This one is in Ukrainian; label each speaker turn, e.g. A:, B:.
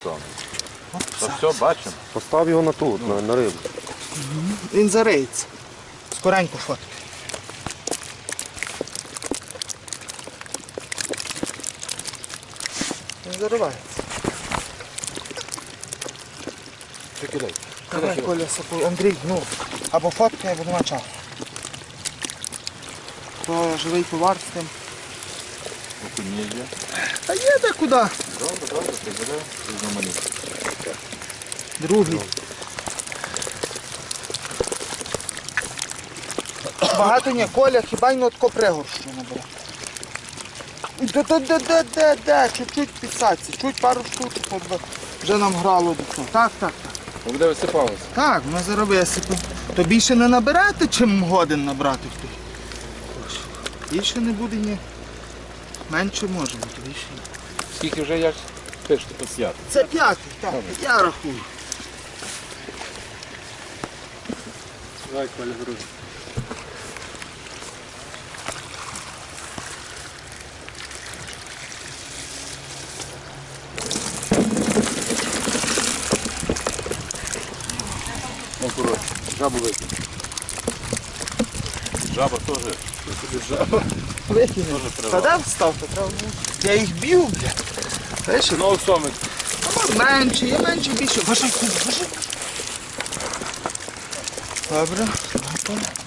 A: Та все, бачимо.
B: Постав його на тут, на рибу.
C: Він зариється. Скоренько фотки. Він заривається.
A: Ти кидай.
C: Давай, Коля, сапуй. Андрій, ну, або фотки, або нема часу. То живий товар з тим.
A: Окунє є.
C: Та є де куди.
A: Добре, прибере. Різноманітно.
C: Другий. Багато ні, Коля, хіба й на тако пригорщу набере. Де, чуть-чуть підсадці, чуть пару штук вже нам грало до цього. Так.
A: Буде висипалося.
C: Так, ми зараз висипемо. То більше не наберете, чим годин набрати в той. Більше не буде ні. Менше може бути, більше ні.
A: Скільки вже як пишете по святу?
C: Це п'ятий, так, я рахую.
A: Давай, Коля, грузи. Ну, коротше, жабу викинь. Жаба теж. Жаба.
C: Викинемо.
A: Дуже
C: Та
A: тривало.
C: де вставте? Треба було. Я їх б'ю, бля. Знаєш,
A: Знову сомик.
C: менше, є менше, більше. Важай, Коля, важай. Добре,